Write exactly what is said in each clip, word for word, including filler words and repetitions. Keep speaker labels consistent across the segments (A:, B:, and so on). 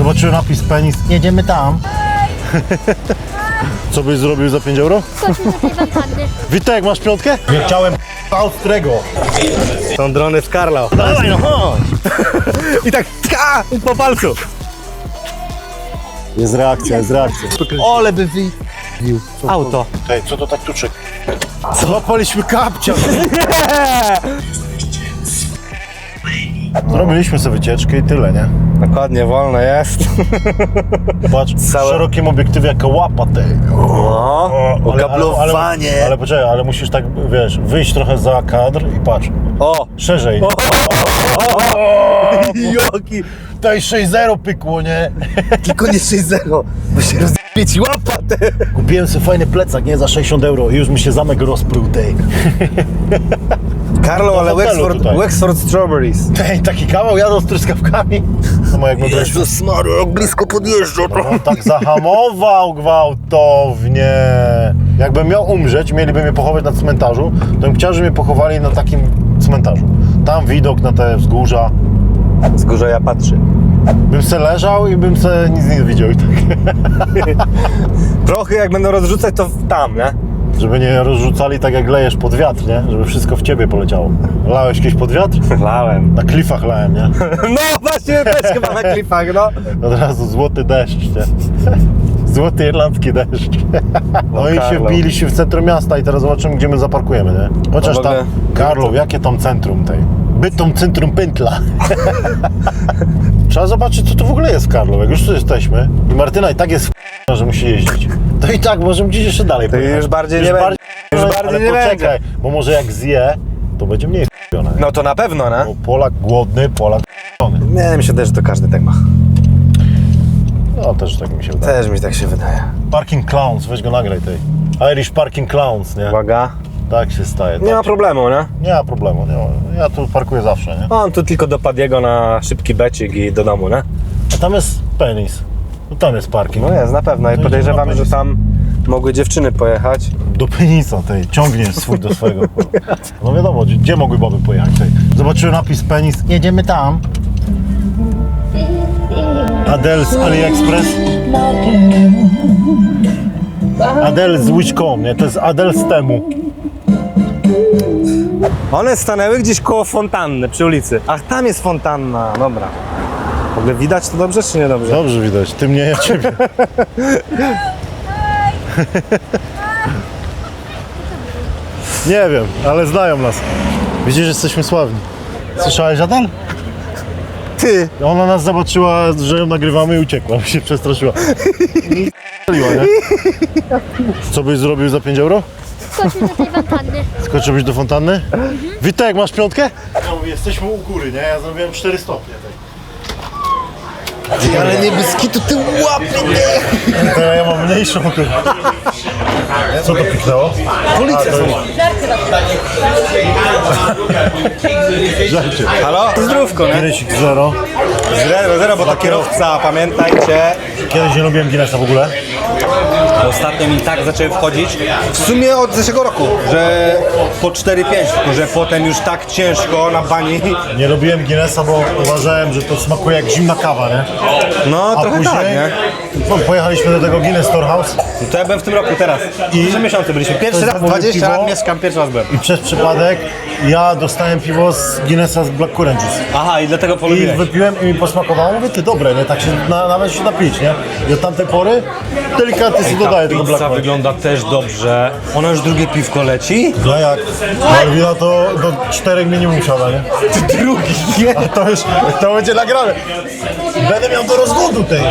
A: Zobaczyłem napis penis. Jedziemy tam. Co byś zrobił za pięć euro?
B: Skoczył do tej wantanny.
A: Witek, masz piątkę? Nie chciałem Austrego.
C: Są drony z Karlo.
A: Dawaj no chodź.
C: I tak tka, po palcu.
A: Jest reakcja, jest reakcja.
C: Ole by wy... Auto.
A: Ej, co to tak tuczy? Złapaliśmy kapcia. Zrobiliśmy sobie wycieczkę i tyle, nie?
C: Dokładnie, wolne jest.
A: Patrz, w
C: Całe-
A: szerokim obiektywie jaka łapa tej.
C: No, okablowanie.
A: Ale, ale poczekaj, ale musisz tak, wiesz, wyjść trochę za kadr i patrz.
C: O!
A: Szerzej.
C: Joki!
A: Tutaj sześć zero pykło, nie?
C: Tylko nie sześć zero, bo się rozbić ci łapatę.
A: Kupiłem sobie fajny plecak, nie? Za sześćdziesiąt euro i już mi się zamek rozpruł tej.
C: Karlo, ale
A: hotelu
C: Wexford,
A: tutaj.
C: Wexford Strawberries.
A: Tej, taki kawał jadą z truskawkami. No jak my byliśmy.
C: Jezus Maria, jak blisko podjeżdża.
A: On tak zahamował gwałtownie. Jakbym miał umrzeć, mieliby mnie pochować na cmentarzu, to bym chciał, żeby mnie pochowali na takim cmentarzu. Tam widok na te wzgórza.
C: Z górze ja patrzy.
A: Bym se leżał i bym se nic nie widział i tak.
C: Prochy jak będą rozrzucać, to tam, nie?
A: Żeby nie rozrzucali tak jak lejesz pod wiatr, nie? Żeby wszystko w ciebie poleciało. Lałeś kiedyś pod wiatr?
C: Lałem.
A: Na klifach lałem, nie?
C: No właśnie, też chyba na klipach, no.
A: Od razu złoty deszcz, nie? Złoty irlandzki deszcz. No i się
C: Karlo.
A: wbiliśmy w centrum miasta i teraz zobaczymy, gdzie my zaparkujemy, nie? Chociaż
C: No w
A: tam,
C: ogóle-
A: Karlo, jakie tam centrum tej? Bytom centrum pętla. Trzeba zobaczyć, co tu w ogóle jest w Karlo, jak już tu jesteśmy. I Martyna i tak jest w że musi jeździć. To i tak możemy gdzieś jeszcze dalej
C: To
A: pojechać.
C: już bardziej nie będzie. Już bardziej
A: ale
C: nie
A: poczekaj,
C: będzie.
A: bo może jak zje, to będzie mniej f***one.
C: No to na pewno, nie?
A: Bo Polak głodny, Polak f***ony.
C: Nie, mi się też, że to każdy tak ma.
A: No też tak mi się wydaje.
C: Też mi tak się wydaje.
A: Parking Clowns, weź go nagraj tej. Irish Parking Clowns, nie?
C: Uwaga.
A: Tak się staje.
C: Nie ma
A: tak.
C: problemu, nie?
A: Nie ma problemu, nie ma. Ja tu parkuję zawsze, nie?
C: On tu tylko dopadł jego na szybki becik i do domu, nie?
A: A tam jest penis. No tam jest parking.
C: No jest, na pewno. I
A: To
C: podejrzewam,
A: idziemy na
C: że tam mogły dziewczyny pojechać.
A: Do penisa tej, ciągnie swój do swojego. No wiadomo, gdzie, gdzie mogły baby pojechać tej. Zobaczyłem napis penis, jedziemy tam. Adele z AliExpress. Adele z wish kropka com, nie? To jest Adele z temu.
C: One stanęły gdzieś koło fontanny przy ulicy. Ach, tam jest fontanna, dobra. W ogóle widać to dobrze, czy nie dobrze?
A: Dobrze widać, ty mnie, ja ciebie. Nie wiem, ale znają nas. Widzisz, że jesteśmy sławni. Słyszałeś, Adel?
C: Ty!
A: Ona nas zobaczyła, że ją nagrywamy i uciekła, bo się przestraszyła. I nie? Co byś zrobił za pięć euro?
B: Skoczył do tej wantanny.
A: Skoczyłbyś do fontanny? Mhm. Witek, masz piątkę? Ja mówię, jesteśmy u góry, nie? Ja zrobiłem cztery stopnie.
C: Ty, ale niebieski to ty łapy, nie!
A: Teraz ja mam mniejszą. Co to piknęło?
C: Policja są.
A: Żarcie.
C: Halo? Zdrówko, nie?
A: Guinnessik zero.
C: Zero, zero, bo to kierowca, pamiętajcie.
A: Kiedyś nie lubiłem Guinnessa w ogóle.
C: Ostatnio mi tak zaczęły wchodzić. W sumie od zeszłego roku, że po cztery pięć, tylko że potem już tak ciężko na bani.
A: Nie lubiłem Guinnessa, bo uważałem, że to smakuje jak zimna kawa, nie?
C: No,
A: A
C: trochę
A: później
C: tak, nie?
A: po- pojechaliśmy do tego Guinness Storehouse
C: To ja byłem w tym roku teraz. I trzy miesiące byliśmy. Pierwszy
A: To
C: raz,
A: zamówił
C: dwadzieścia
A: piwo?
C: lat mieszkam, pierwszy raz byłem.
A: i przez przypadek ja dostałem piwo z Guinnessa z Black Currant Juice.
C: Aha, i dlatego
A: I
C: polubiłeś.
A: wypiłem i mi posmakowało, mówię, ty dobre, nie? Tak się na, nawet się napić, nie? I od tamtej pory delikatnie sobie dodaję tego Black
C: Pizza
A: Currant.
C: wygląda też dobrze. Ona już drugie piwko leci?
A: No jak? Malwina to do czterech minimum siada, nie?
C: Drugi, nie?
A: A to już, to będzie nagrane. Będę miał do rozwodu tej.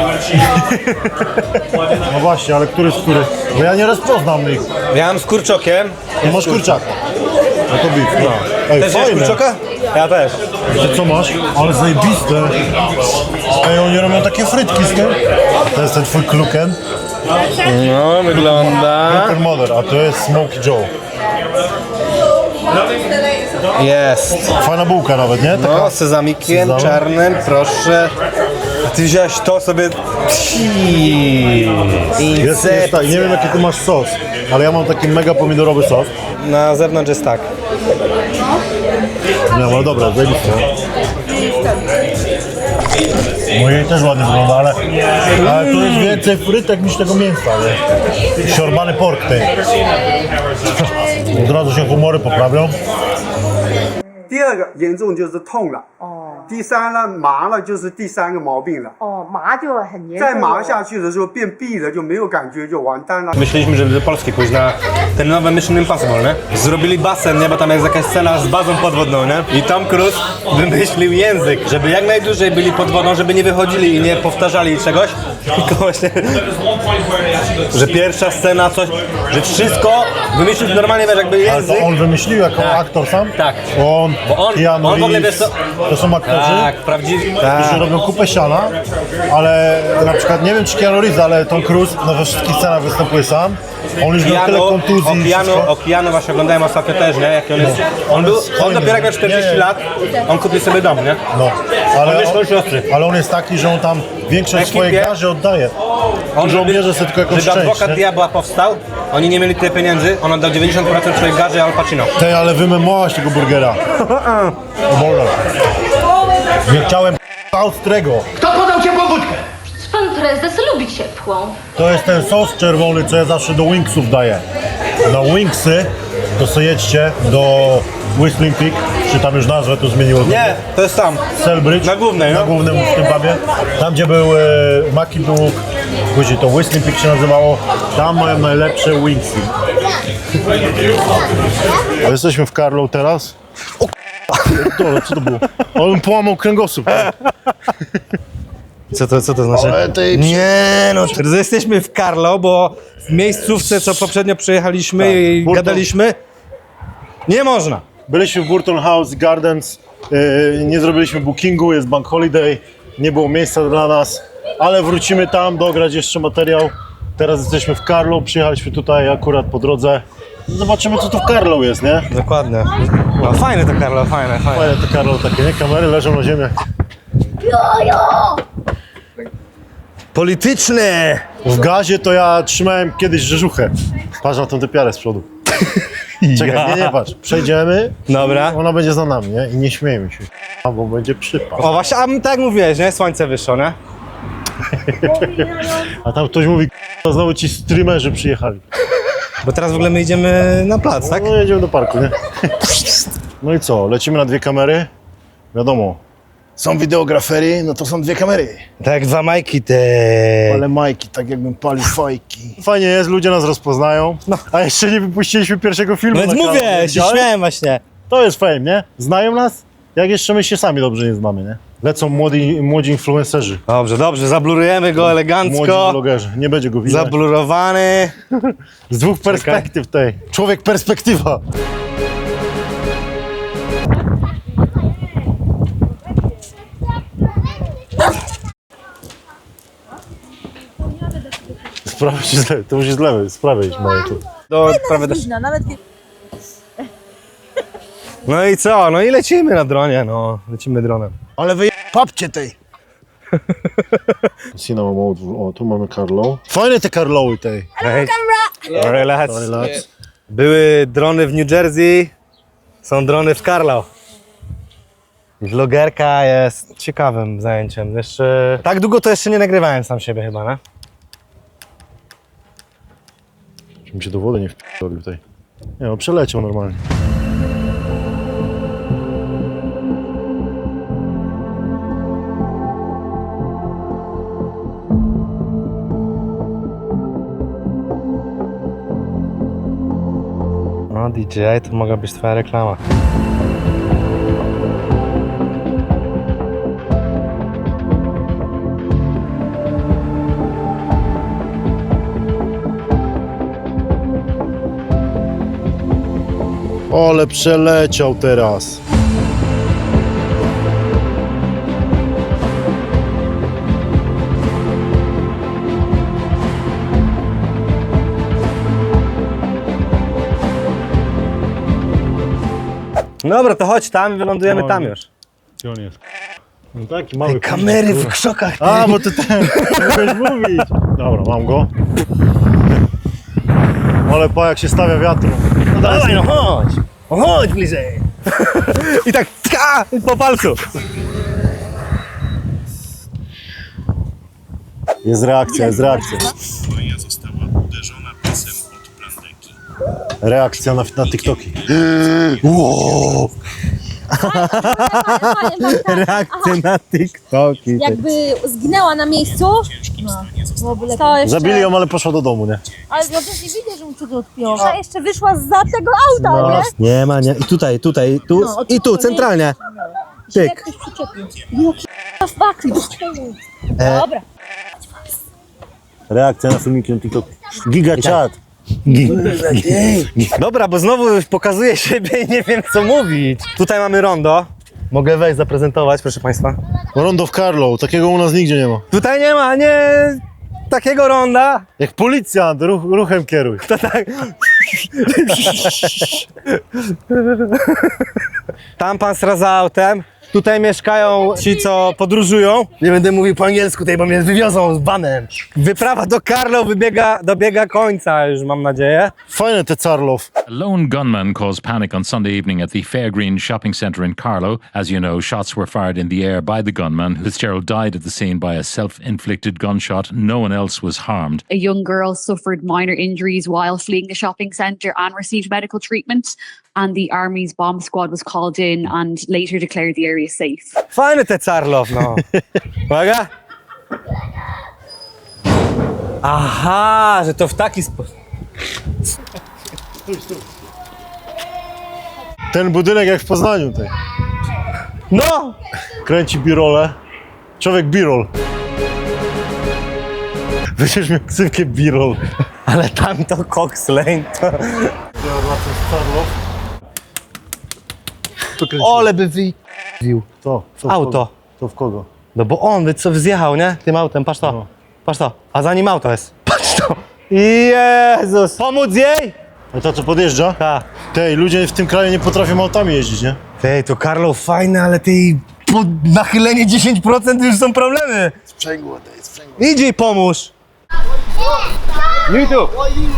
A: No właśnie, ale który z których? Bo ja nie rozpoznam ich.
C: Miałem z kurczokiem.
A: Ty masz kurczaka. No to bit. No. Ej,
C: Też jest
A: fajne.
C: kurczoka? Ja też.
A: Ty co masz? Ale zajebiste. Ej, oni robią takie frytki z tym. To jest ten twój kluken.
C: No, wygląda.
A: Kluken Mother, a to jest Smokey Joe.
C: Jest.
A: Fajna bułka nawet, nie? Taka...
C: No, z sezamikiem
A: Sezam.
C: czarnym, proszę. A ty wziąłeś to sobie...
A: Jest, jest tak, nie wiem jaki ty masz sos, ale ja mam taki mega pomidorowy sos.
C: Na zewnątrz jest tak.
A: Nie, ale dobra, zajebiste. Mojej też ładnie wygląda, ale, ale to jest więcej frytek niż tego mięsa, nie? Siorbany pork tej. Od razu się humory poprawią.
D: 第二个严重就是痛了，
E: 哦
D: 第三呢麻了就是第三个毛病了。
E: 哦，麻就很严重了。
D: 再麻下去的时候变闭了就没有感觉就完蛋了。
C: Myśleliśmy, że do Polski pójść na ten nowy Mission Impossible, nie? Zrobili basen, nie? Bo tam jest jakaś scena z bazą podwodną, nie? I Tom Cruise wymyślił język, żeby jak najdłużej byli pod wodą, żeby nie wychodzili i nie powtarzali czegoś. Tylko właśnie, że pierwsza scena, coś, że wszystko wymyślił normalnie, wiesz, jakby
A: Ale
C: język.
A: to on wymyślił jako
C: Tak.
A: aktor sam?
C: Tak.
A: On,
C: Bo on-
A: Keanu
C: on w ogóle,
A: Reeves,
C: wiesz co-
A: to są aktorzy,
C: Tak, prawdziwi.
A: którzy robią kupę siana, ale na przykład, nie wiem czy Keanu Reeves, ale Tom Cruise no, we wszystkich scenach występuje sam. On już miał tyle
C: Keanu,
A: kontuzji i
C: Okianu,
A: wszystko.
C: Okianu właśnie oglądałem ostatnio też, nie? Jak on jest. On, był, on
A: hojny.
C: dopiero jak miał czterdzieści
A: Nie.
C: lat, on kupił sobie dom, nie?
A: No, ale,
C: On jest
A: on,
C: siostry.
A: ale on jest taki, że on tam większość
C: Ekipie.
A: swojej garzy oddaje.
C: On
A: Żołnierze sobie tylko jakąś
C: żeby
A: część,
C: adwokat
A: nie?
C: diabła powstał, oni nie mieli tyle pieniędzy, on oddał dziewięćdziesiąt procent swojej garzy Al Pacino.
A: Tej, ale wymemowałaś tego burgera. O Boże. Nie chciałem austrego.
B: Pan prezes lubi ciepłą.
A: To jest ten sos czerwony, co ja zawsze do wingsów daję. Na wingsy to sobie jedźcie do Whistling Pig, czy tam już nazwę to zmieniło.
C: Nie, to jest sam.
A: Selbridge.
C: Na głównej,
A: Na
C: no.
A: głównym w tym pubie. Tam gdzie był e, Maki Duk, później to Whistling Pig się nazywało. Tam mają najlepsze wingsy. A jesteśmy w Carlow teraz. O k***a, co to było? On bym połamał kręgosłup.
C: Co to, co to znaczy?
A: Ale tej-
C: Nie, no to jesteśmy w Carlo, bo w miejscówce, co poprzednio przyjechaliśmy
A: Tak,
C: i
A: Burton.
C: gadaliśmy, nie można.
A: Byliśmy w Burton House Gardens, yy, nie zrobiliśmy bookingu, jest bank holiday, nie było miejsca dla nas, ale wrócimy tam, dograć jeszcze materiał. Teraz jesteśmy w Carlow, przyjechaliśmy tutaj akurat po drodze. Zobaczymy co tu w Carlow jest, nie?
C: Dokładnie. No, fajne to Carlo, fajne, fajne.
A: Fajne te Carlow takie, nie? Kamery leżą na ziemi.
C: Polityczne!
A: W gazie to ja trzymałem kiedyś rzeżuchę. Patrz na tą typiarę z przodu. Czekaj, nie, nie patrz. Przejdziemy,
C: Dobra.
A: ona będzie za nami, nie? I nie śmiejmy się. A, bo będzie przypał.
C: O właśnie, a tak jak mówiłeś, nie? Słońce wyszło, nie?
A: A tam ktoś mówi, to znowu ci streamerzy przyjechali.
C: Bo teraz w ogóle my idziemy na plac, tak?
A: No jedziemy do parku, nie? No i co, lecimy na dwie kamery? Wiadomo, są wideografery, no to są dwie kamery.
C: Tak jak dwa majki te...
A: Ale majki, tak jakbym palił fajki. Fajnie jest, ludzie nas rozpoznają. A jeszcze nie wypuściliśmy pierwszego filmu
C: No więc
A: na kanał.
C: mówię, się
A: Widziałeś?
C: śmiałem właśnie.
A: To jest fame, nie? Znają nas? Jak jeszcze my się sami dobrze nie znamy, nie? Lecą młodzi, młodzi influencerzy.
C: Dobrze, dobrze, zablurujemy go
A: Młodzi
C: elegancko.
A: vlogerzy. Nie będzie go widać.
C: Zablurowany.
A: Z dwóch perspektyw tej. Człowiek perspektywa. Z prawej czy z lewej? To musi z lewej, z prawej iść moje tu.
C: Do, prawie do...
E: Widno, nawet
C: No i co? No i lecimy na dronie, no. Lecimy dronem.
A: Ale wy papcie tej. Cinema Mode. O, tu mamy Carlo. Fajne te Carlowy tej.
C: Hej. Relax.
A: Relax.
C: Były drony w New Jersey, są drony w Carlo. Vlogerka jest ciekawym zajęciem. Jeszcze... Tak długo to jeszcze nie nagrywałem sam siebie chyba, nie?
A: Żebym się do wody nie wpierdolił tutaj. Nie no, przeleciał normalnie.
C: No D J, to mogła być twoja reklama.
A: Ole, przeleciał teraz.
C: Dobra, to chodź tam i wylądujemy
A: No,
C: tam
A: nie.
C: już.
A: Gdzie on jest? No taki mały.
C: Kamery w krzokach.
A: A, bo ty ten, mogłeś mówić. Dobra, mam go. Ale pa, jak się stawia wiatru.
C: No dawaj, no chodź. No chodź bliżej. I tak tka, po palcu.
A: Jest reakcja, jest reakcja.
E: Maja została uderzona pisem od plandeki.
A: Reakcja na, na TikToki. Wow.
C: Reakcje na TikToki.
F: Jakby zginęła na miejscu, no, byłoby lepiej. To jeszcze,
A: Zabili ją, ale poszła do domu, nie?
F: ale ja też nie widzę, że mu cudzy odpiło. A jeszcze wyszła za tego auta,
A: No.
F: nie?
C: Nie ma, nie. I tutaj, tutaj, tu
F: No,
C: i tu, centralnie.
F: Się
C: Tyk.
F: jak ktoś przyczepił. Jaki w bakli.
C: E.
F: Dobra.
A: Reakcja na filmiki na TikToku. Giga chat.
C: Dobra, bo znowu pokazuję siebie i nie wiem co mówić. Tutaj mamy rondo. Mogę wejść, zaprezentować, proszę Państwa.
A: Rondo w Carlo, takiego u nas nigdzie nie ma.
C: Tutaj nie ma, nie takiego ronda.
A: Jak policjant, ruch, ruchem kieruj.
C: To tak. Tam pan sraza autem. Tutaj mieszkają ci, co podróżują. Nie będę mówił po angielsku tutaj, bo mnie wywiozą z banem. Wyprawa do Carlo wybiega, dobiega końca już, mam nadzieję.
A: Fajne te Carlow.
G: A lone gunman caused panic on Sunday evening at the Fairgreen shopping centre in Carlow. As you know, shots were fired in the air by the gunman. Fitzgerald died at the scene by a self-inflicted gunshot. No one else was harmed.
H: A young girl suffered minor injuries while fleeing the shopping centre and received medical treatment. And the army's bomb squad was called in and later declared the area safe.
C: Fajny te Carlow, no. Uwaga. Aha, że to w taki sposób.
A: Ten budynek jak w Poznaniu. Tej.
C: No!
A: Kręci birole. Człowiek birol. Będziesz miał ksywkę birol.
C: Ale tam to Cox Lane to... Ole by wyjdził.
A: To, to w
C: Auto.
A: Kogo? To w kogo?
C: No bo on by co zjechał, nie? Tym autem, patrz to.
A: No.
C: Patrz to. A za nim auto jest. Patrz to. Jezus. Pomóc jej?
A: A to co podjeżdża?
C: Tak.
A: Tej, ludzie w tym kraju nie potrafią autami jeździć, nie?
C: Tej, to Carlo fajne, ale tej po nachylenie dziesięć procent już są problemy.
A: Sprzęgło, to jest sprzęgło.
C: Idź jej pomóż. YouTube.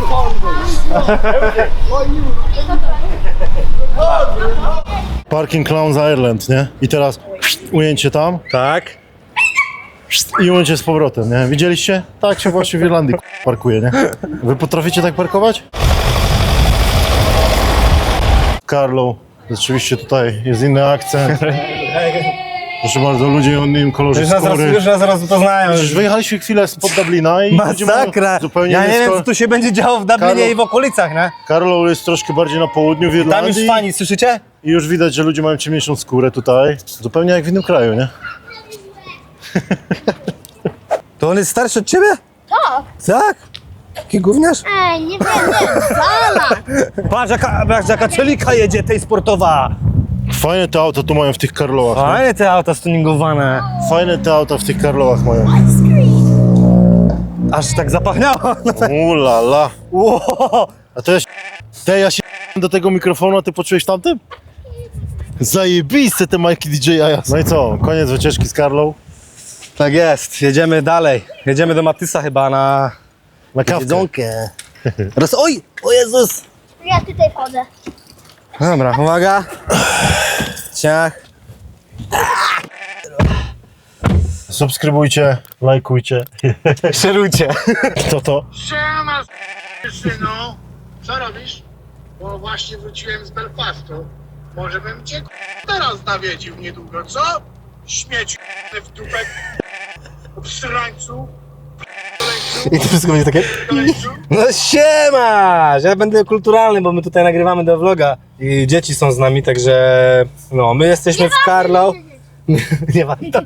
A: Parking Clowns Ireland, nie? I teraz ujęcie tam
C: Tak.
A: i ujęcie z powrotem, nie? Widzieliście? Tak się właśnie w Irlandii parkuje, nie? Wy potraficie tak parkować? Carlo, rzeczywiście tutaj jest inny akcent. Proszę bardzo, ludzie o innym kolorze
C: Już nas, zaraz,
A: skóry.
C: już nas zaraz poznają.
A: Przecież wyjechaliśmy chwilę spod Dublina i ludzie mają
C: Masakra.
A: zupełnie
C: Ja nie
A: inny
C: wiem,
A: sko-
C: co tu się będzie działo w Dublinie
A: Carlo-
C: i w okolicach, nie?
A: Carlo jest troszkę bardziej na południu w
C: Tam już
A: Irlandii
C: fani, słyszycie?
A: i już widać, że ludzie mają ciemniejszą skórę tutaj. Zupełnie jak w innym kraju, nie?
C: To on jest starszy od ciebie?
F: Tak.
C: Tak? Jaki gówniarz?
F: Ej, nie wiem, nie, zala.
C: Patrz, jaka, patrz, jaka celika jedzie, tej sportowa.
A: Fajne te auta tu mają w tych Carloach. nie?
C: Fajne te auta stuningowane.
A: Fajne te auta w tych Carloach mają.
C: Aż tak zapachniało.
A: Ula la.
C: Wow.
A: A to ja się... Te, ja się do tego mikrofonu, a ty poczułeś tamtym? Zajebiste te majki D J Aja. No i co? Koniec wycieczki z Carlo.
C: Tak jest, jedziemy dalej. Jedziemy do Matysa chyba na
A: Na kawkę.
C: jedzonkę. Raz, oj, o Jezus.
F: Ja tutaj wchodzę.
C: Dobra, uwaga. Ciach.
A: Subskrybujcie, lajkujcie.
C: Szerujcie.
A: Kto to?
I: Siema, synu. Co robisz? Bo właśnie wróciłem z Belfastu. Może bym cię teraz nawiedził niedługo, co? Śmieci w dupę, w srańcu,
C: I to wszystko będzie takie...
I: w koleńcu.
C: No siema! Ja będę kulturalny, bo my tutaj nagrywamy do vloga. I dzieci są z nami, także... No, my jesteśmy w Carlo. Nie ma to.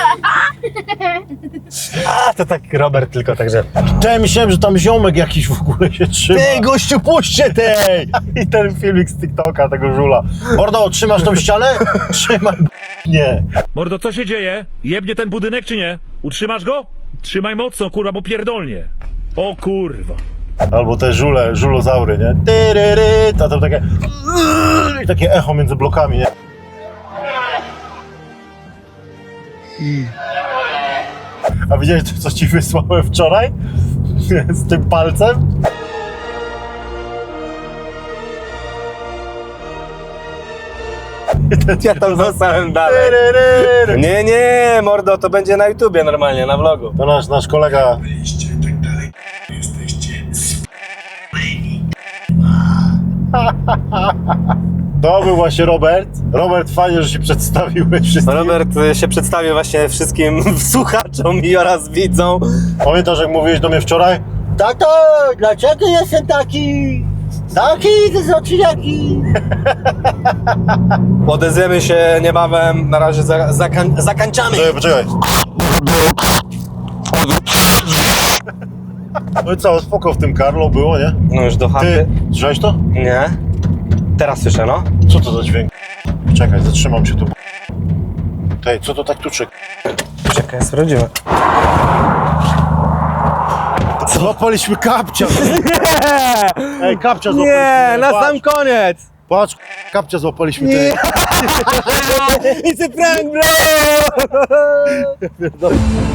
C: A, to tak Robert tylko, także...
A: Ja myślałem, że tam ziomek jakiś w ogóle się trzyma.
C: Ty, gościu, puśćcie tej!
A: I ten filmik z TikToka, tego żula. Mordo, trzymasz tą ścianę? Trzymaj. Nie.
J: Mordo, co się dzieje? Jebnie ten budynek czy nie? Utrzymasz go? Trzymaj mocno, kurwa, bo pierdolnie. O kurwa.
A: Albo te żule, żulozaury, nie? Tyryry, a to takie... I takie echo między blokami, nie? A widziałeś, co ci wysłałem wczoraj? Z tym palcem?
C: Ja tam zostałem dalej. Nie, nie, mordo, to będzie na YouTubie normalnie, na vlogu.
A: To nasz, nasz kolega. To był właśnie Robert. Robert, fajnie, że się przedstawiłeś wszystkim.
C: Robert y, się przedstawił właśnie wszystkim słuchaczom i oraz widzom.
A: Pamiętasz, jak mówiłeś do mnie wczoraj? Tato, dlaczego jestem taki? Taki z oczyjaki.
C: Odezwiemy się niebawem, na razie za, zakań, zakańczamy.
A: Poczekaj, poczekaj. No i co, spoko w tym Karlo było, nie?
C: No już do chaty.
A: Ty, słyszałeś to?
C: Nie. Teraz słyszę, no.
A: Co to za dźwięk? Czekaj, zatrzymam się tu. Tej, co to tak tuczy?
C: Czekaj, sprawdzimy.
A: Złapaliśmy kapcia! Ej, kapcia złapaliśmy.
C: Nie, na
A: Patrz,
C: sam koniec.
A: Patrz, kapcia złapaliśmy. Tej.
C: It's a prank, bro!